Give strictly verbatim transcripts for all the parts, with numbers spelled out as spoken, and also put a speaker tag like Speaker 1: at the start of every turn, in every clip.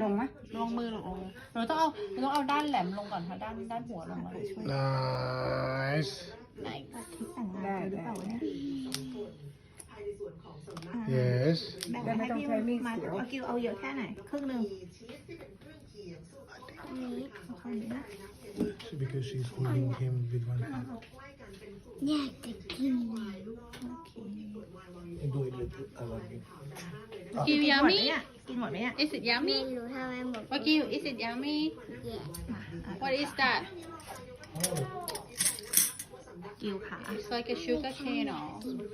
Speaker 1: ลงไหม
Speaker 2: ลงมือลงเราต้องเอาเราต้องเอาด้านแหลมลงก่อนค่ะด้านด้านหัวลงมาช่วย
Speaker 3: Nice.
Speaker 2: ไหน
Speaker 1: ได้ได้
Speaker 3: Yes.
Speaker 2: แบ่ง
Speaker 1: ได้ไม่
Speaker 2: ให้
Speaker 1: ต้อง
Speaker 2: พี่
Speaker 1: ใช้มีด
Speaker 2: มา
Speaker 1: เสียว
Speaker 2: เอากิวเอาเยอะแค่ไหนครึ่งหนึ่งนี้เอาคำนี้นะ
Speaker 3: Because she's holding him with one hand.
Speaker 4: อยากจะกิน
Speaker 3: Do it with other hand.
Speaker 2: กิวยามิกินหมดไหมเนี่ย Is it
Speaker 4: ไม่
Speaker 2: yummy
Speaker 4: รู้ทำไมหมด
Speaker 2: ว่ากิว Is it yummy
Speaker 4: แย่
Speaker 2: What is that กิวค่ะ It's like a sugar cane หรอ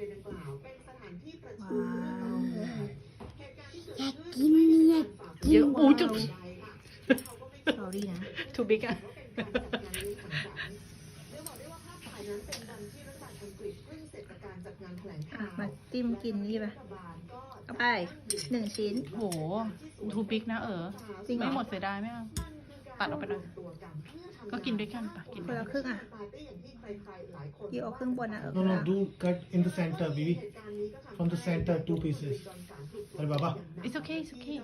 Speaker 2: ว้าว
Speaker 4: อยากกินเนี่ย
Speaker 2: เยอะอู้จุ๊บ sorry นะ too big อ่ะ มาจิ้มกินนี่ป่ะเอาไปหนึ่งชิ้นโห too big นะเออจริงไม่หมดเสียดายไหมอ่ะตัดออกไปเลยก็กินด้วยกันปะกินคนละครึ่งอ่ะกี่เอาครึ่งบนนะเออ
Speaker 3: No, no, do cut in the center, baby. From the center, two pieces. Hey, Baba.
Speaker 2: it's okay it's okay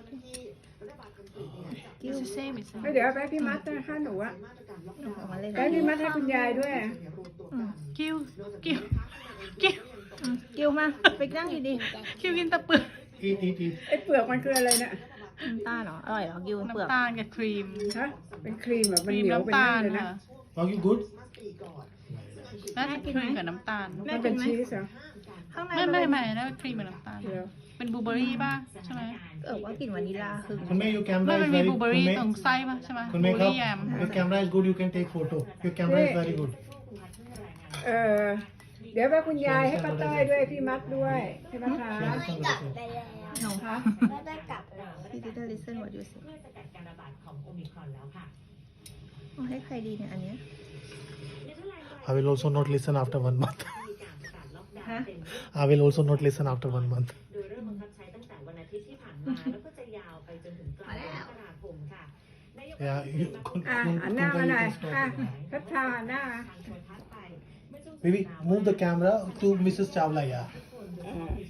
Speaker 2: it's the same it's the
Speaker 1: เฮ้ย
Speaker 2: same
Speaker 1: เดี๋ยวไปพี่มัดนะถ้าหนูอะ
Speaker 2: เอามาเลย
Speaker 1: ไปพี่มัดให้คุณยายด้วย
Speaker 2: อืมกิ้วกิ้วกิ้วอืมกิ้วมาไปนั่งอยู่ดิกิ้วกินแตะเปลือก
Speaker 3: Eat, eat, eat.
Speaker 1: ไอ้เปลือกมันคืออะไรเนี่ย
Speaker 2: น้ำตาลเหรออร่อยเหรอกิ้วเปลือก
Speaker 5: น้ำตาลกับครีม
Speaker 1: ฮะเป็นครีมแบบ
Speaker 5: ค
Speaker 1: มัน
Speaker 5: รีม
Speaker 1: เหนียวเป็น
Speaker 5: น้ำตา
Speaker 1: นั่
Speaker 5: ล
Speaker 1: นเลยนะ
Speaker 5: ค่ะ
Speaker 3: Are you good?
Speaker 5: น่าจะครีมกับน้ำตาล
Speaker 1: มันเป็นชีสเหรอ
Speaker 2: ข้างใน
Speaker 5: ไม่
Speaker 2: มัน
Speaker 5: ไม่
Speaker 2: เป็น
Speaker 5: ไม่นะครีมกับน้ำตาล
Speaker 1: เดี๋ยว
Speaker 5: เป็นบลูเบอร์รี่ป่ะใช่ไหม
Speaker 2: เออว่ากลิ่นวานิลลาคือ
Speaker 3: Kunme, your
Speaker 5: ไม่
Speaker 3: camera
Speaker 5: มัน
Speaker 3: is
Speaker 5: มี
Speaker 3: very
Speaker 5: บลูเบอร์รี่
Speaker 3: Kunme,
Speaker 5: ตรงไส้ป่ะใช่ไหมบลู
Speaker 3: Kunme
Speaker 5: เบอร์รี่แยม
Speaker 3: Cup, your camera is good, you can take photo. Your camera is very good.
Speaker 1: เออเดี๋ยวไปคุณยายให้ป้าต้อยด้วยพี่มัดด้วยใช่ไหมคะ
Speaker 3: She
Speaker 4: ไม่
Speaker 3: understand
Speaker 4: กลับ
Speaker 3: what
Speaker 4: ไป
Speaker 3: I
Speaker 4: แล้ว
Speaker 2: หนู
Speaker 1: คะ
Speaker 4: ไม่ได้กลับแล้ว
Speaker 2: พี่ดิจิทัลลิสเซนวอร์ดยูสิ
Speaker 6: เพื่อสกัดการระบาดของโอมิครอนแล้วค่ะ
Speaker 2: เอาให้ใครดีเนี่ยอันเนี้ย
Speaker 3: I will also not listen after one month.
Speaker 6: มีการประกาศล็อกดาวน์เต็มรูป
Speaker 3: I will also not listen after one month.
Speaker 6: โดยเริ่มบังคับใช้ตั้งแต่วันอาทิตย์ที่ผ่านมา แล้วก็จะยาวไปจนถึงกลางเดือนมกราคมค่ะนายก
Speaker 3: Yeah, you, Kun,
Speaker 1: อ่ะ
Speaker 3: Kun,
Speaker 1: หันหน้า
Speaker 3: Kunta,
Speaker 1: มา
Speaker 3: you
Speaker 1: หน่อย
Speaker 3: can stop.
Speaker 1: อ่ะพัชชาหันหน้ามา
Speaker 6: ทางโทรทัศน์ไปเมื่อช่วง
Speaker 3: Baby, move the camera to Missus Chawla, yeah.
Speaker 1: เออ